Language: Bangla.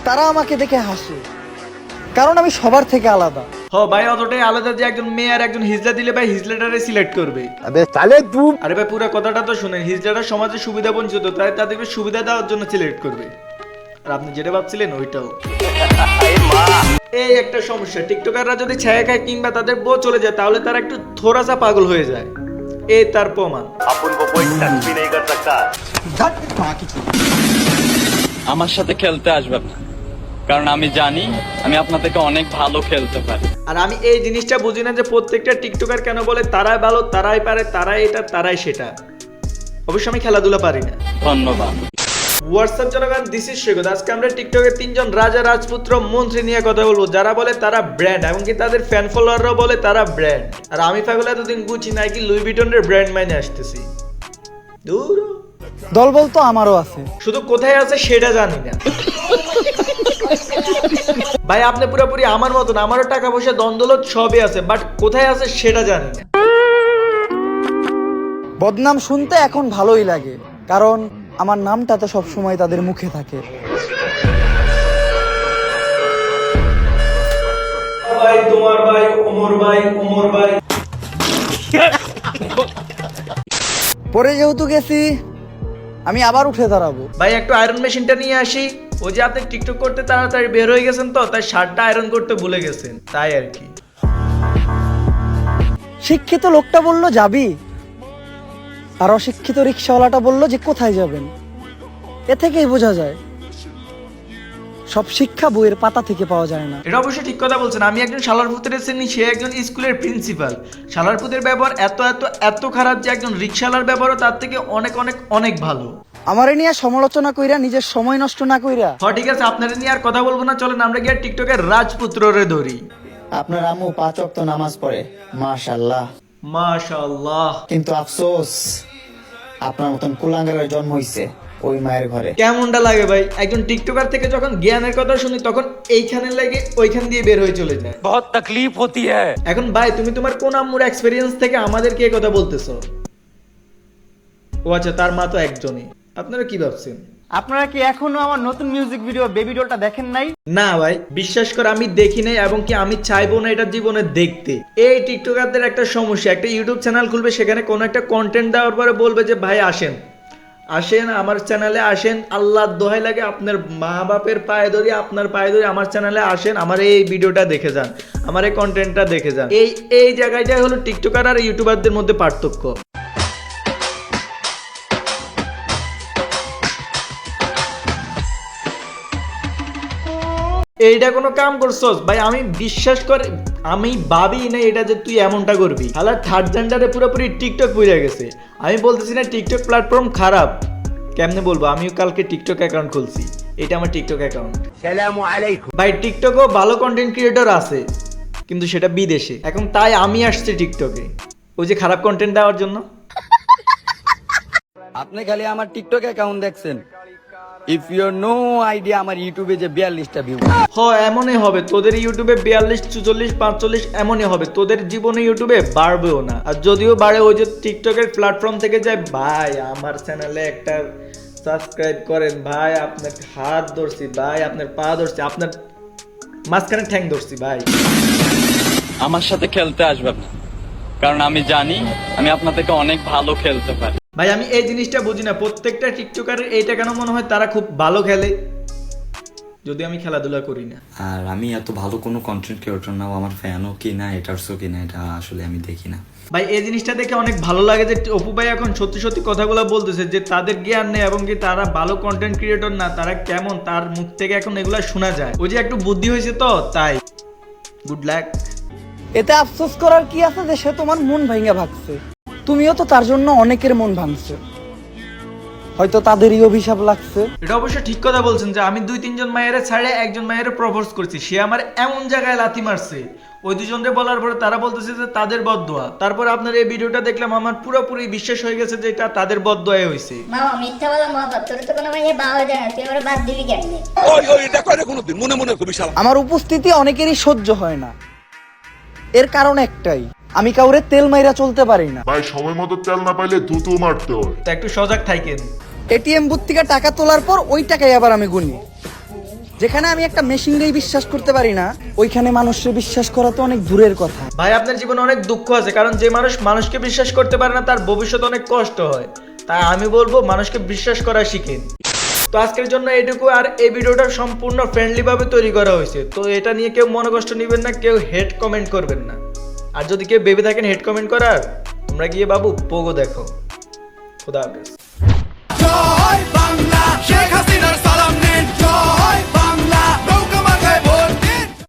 তারা আমাকে দেখে হাসে, কারণ আমি সবার থেকে আলাদা। ভাই অতটাই আলাদা যে একজন মেয়ে আর একজন হিজলা দিলে ভাই হিজলাটারে সিলেক্ট করবে। আরে ভাই পুরো কথাটা তো শুনেন, হিজলাটা সমাজে সুবিধা বঞ্চিত, তাই তাদেরকে সুবিধা দেওয়ার জন্য সিলেক্ট করবে। আর আপনি যেটা ভাবছিলেন ওইটাও। এই একটা সমস্যা, টিকটকাররা যদি ছায়া খায় কিংবা তাদের বউ চলে যায় তাহলে তারা একটু থোড়াসা পাগল হয়ে যায়। এই তার প্রমাণ। আমার সাথে খেলতে আসবেন না, কারণ আমি জানি আমি আপনার থেকে অনেক ভালো খেলতে পারি। আর আমি এই জিনিসটা বুঝি না যে প্রত্যেকটা টিকটকার কেন বলে তারাই ভালো, তারাই পারে, তারাই এটা, তারাই সেটা। অবশ্য আমি খেলাধুলা পারি না। ধন্যবাদ। হোয়াটসঅ্যাপ জনগণ, দিস ইজ সৈকত। আজকে আমরা টিকটকের 3 জন রাজা রাজপুত্র মন্ত্রী নিয়ে কথা বলবো, যারা বলে তারা ব্র্যান্ড, এমনকি তাদের ফ্যান ফলোয়াররাও বলে তারা ব্র্যান্ড। আর আমি পাগল এতদিন বুঝি নাই কি লুই ভিটনের ব্র্যান্ড মাইনে আসতেছি। দূর দলবল তো আমারও আছে, শুধু কোথায় আছে সেটা জানি না। ভাই আপনি পুরোপুরি আমার মতন, আমারও টাকা পয়সা দ্বন্দ্বলত সবই আছে, বাট কোথায় আছে সেটা জানি না। বদনাম শুনতে এখন ভালোই লাগে, কারণ আমার নামটা তো সবসময় তাদের মুখে থাকে। ভাই তোমার ভাই ওমর ভাই, ওমর ভাই। পরে যেহেতু গেছি, আমি আবার উঠে দাঁড়াবো। ভাই একটু আয়রন মেশিনটা নিয়ে আসি। ওই যে আপনি টিকটক করতে তাড়াতাড়ি বের হয়ে গেছেন তো, তাই শার্টটা আয়রন করতে ভুলে গেছেন, তাই আর কি। শিক্ষিত লোকটা বলল যাবি, আর অশিক্ষিত রিক্সাওয়ালাটা বলল যে কোথায় যাবেন। এ থেকেই বোঝা যায় সব শিক্ষা বইয়ের পাতা থেকে পাওয়া যায় না। এটা অবশ্যই ঠিক কথা বলছেন। আমি একজন শালারপুতের শ্রেণী, সে একজন স্কুলের প্রিন্সিপাল। শালারপুতের ব্যবহার এত এত এত খারাপ যে একজন রিক্সাওয়ালার ব্যবহারও তার থেকে অনেক অনেক অনেক ভালো। আমারে নিয়ে সমালোচনা কইরা নিজের সময় নষ্ট না কইরা। ঠিক আছে, আপনারা নিয়ে আর কথা বলবো না, চলেন আমরা গিয়ে টিকটকের রাজপুত্ররে ধরি। আপনার আম্মু 5 ওয়াক্ত নামাজ পড়ে, মাশাআল্লাহ মাশাআল্লাহ। কিন্তু আফসোস আপনার মতন কুলাঙ্গারের জন্ম হইছে ওই মায়ের ঘরে। কেমনটা লাগে ভাই, একজন টিকটকার থেকে যখন জ্ঞানের কথা শুনি তখন এইখানে লাগে ওইখান দিয়ে বের হয়ে চলে যায়। বহুত তকলিফ হতি হ্যায়। এখন ভাই তুমি তোমার কোন আম্মুর এক্সপেরিয়েন্স থেকে আমাদেরকে এই কথা বলতেছো? ও আচ্ছা, তার মা তো একজনই। আপনারা কি ভাবছেন? আপনারা কি এখনো আমার নতুন মিউজিক ভিডিও বেবি ডলটা দেখেন নাই? না ভাই, বিশ্বাস করে আমি দেখি নাই, এবং কি আমি চাইবো না এটা জীবনে দেখতে। এই টিকটকারদের একটা সমস্যা, একটা ইউটিউব চ্যানেল খুলবে, সেখানে কোনো একটা কন্টেন্ট দেওয়ার পরে বলবে যে ভাই আসেন আসেন আমার চ্যানেলে আসেন, আল্লাহর দোহাই লাগে আপনার মা বাপের পায়ে ধরি, আপনার পায়ে ধরি, আমার চ্যানেলে আসেন, আমার এই ভিডিওটা দেখে যান, আমার এই কন্টেন্টটা দেখে যান। এই জায়গাটাই হলো টিকটকার আর ইউটিউবারদের মধ্যে পার্থক্য। এইটা কোনো কাম করছস ভাই? আমি বিশ্বাস করে আমি ভাবি না এটা যে তুই এমনটা করবি। হালা থার্ড জেন্ডারে পুরোপুরি টিকটক বুঝে গেছে। আমি বলতেছি না টিকটক প্ল্যাটফর্ম খারাপ, কেমনে বলবো? আমিও কালকে টিকটক অ্যাকাউন্ট খুলছি, এটা আমার টিকটক অ্যাকাউন্ট। সালামু আলাইকুম ভাই। টিকটকও ভালো কন্টেন্ট ক্রিয়েটর আছে, কিন্তু সেটা বিদেশে। এখন তাই আমি আসছি টিকটকে ওই যে খারাপ কন্টেন্ট দেওয়ার জন্য। আপনি খালি আমার টিকটক অ্যাকাউন্ট দেখছেন, ইফ ইউ নো আইডিয়া আমার ইউটিউবে যে 42টা ভিউ। এমনই হবে তোদের ইউটিউবে 42, 44, 45 এমনই হবে। তোদের জীবনে ইউটিউবে বাড়বেও না, আর যদিও বাড়ে ওই যে টিকটকের প্ল্যাটফর্ম থেকে যায়। ভাই আমার চ্যানেলে একটা সাবস্ক্রাইব করেন ভাই, আপনার হাত ধরছি ভাই, আপনার পা ধরছি, আপনার মাঝখানে ঠ্যাং ধরছি ভাই। আমার সাথে খেলতে আসবেন না, কারণ আমি জানি আমি আপনার থেকে অনেক ভালো খেলতে পারি। ভাই আমি এই জিনিসটা বুঝি না, প্রত্যেকটা টিকটকারের এইটা কেন মনে হয় তারা খুব ভালো খেলে, যদি আমি খেলাধুলা করি না। আর আমি এত ভালো কোনো কন্টেন্ট ক্রিয়েটর না, আমার ফ্যানও কি না, এটারসও কি না, এটা আসলে আমি দেখি না। ভাই এই জিনিসটা দেখে অনেক ভালো লাগে যে অপু ভাই এখন সত্যি সত্যি কথাগুলো বলতেছে, যে তাদের জ্ঞান নেই এবং কি তারা ভালো কন্টেন্ট ক্রিয়েটর না, তারা কেমন তার মুখ থেকে এখন এগুলা শোনা যায়। ওই যে একটু বুদ্ধি হয়েছে তো, তাই গুড লাক। এতে আফসোস করার কি আছে যে সে তোমার মন ভাঙা ভাগছে? তুমিও তো তার জন্য অনেকের মন ভাঙছো, হয়তো তাদেরই অভিশাপ লাগছে। এটা অবশ্য ঠিক কথা বলছেন যে আমি 2-3 জন মায়ের ছাড়ে একজন মায়ের প্রপোজ করছি, সে আমার এমন জায়গায় লাথি মারছে, ওই দুজনকে বলার পরে তারা বলতেছে যে তাদের বদদোয়া। তারপর আপনার এই ভিডিওটা দেখলাম, আমার পুরোপুরি বিশ্বাস হয়ে গেছে যে এটা তাদের বদদোয়াই হয়েছে। মামা মিথ্যা বলা মহাপাপ, তোর তো কোনো মেয়ে বাবা যায় না, তুই আমার বাদ দিবি কেমনে? আমার উপস্থিতি অনেকেরই সহ্য হয় না, এর কারণ একটাই, আমি কাউরে তেল মাইরা চলতে পারি না। ভাই সময় মতো তেল না পাইলে থুতু মারতে হয়। তো একটু সজাগ থাকেন। এটিএম বুথ থেকে টাকা তোলার পর ওই টাকাই আবার আমি গুনি, যেখানে আমি একটা মেশিনকেই বিশ্বাস করতে পারি না, ওইখানে মানুষকে বিশ্বাস করা তো অনেক দূরের কথা। ভাই আপনার জীবনে অনেক দুঃখ আছে, কারণ যে মানুষ মানুষকে বিশ্বাস করতে পারে না তার ভবিষ্যতে অনেক কষ্ট হয়। তাই আমি বলবো মানুষকে বিশ্বাস করা শিখেন। তো আজকের জন্য এইটুকু। আর এই ভিডিওটা সম্পূর্ণ ফ্রেন্ডলি ভাবে তৈরি করা হয়েছে, তো এটা নিয়ে কেউ মনে কষ্ট নেবেন না, কেউ হেড কমেন্ট করবেন না। আর যদি কেউ ভেবে থাকেন হেড কমেন্ট করার, তোমরা গিয়ে বাবু পোগো দেখো। খুদা হাফেজ। জয় বাংলা, শেখ হাসিনার সালাম নিন। জয়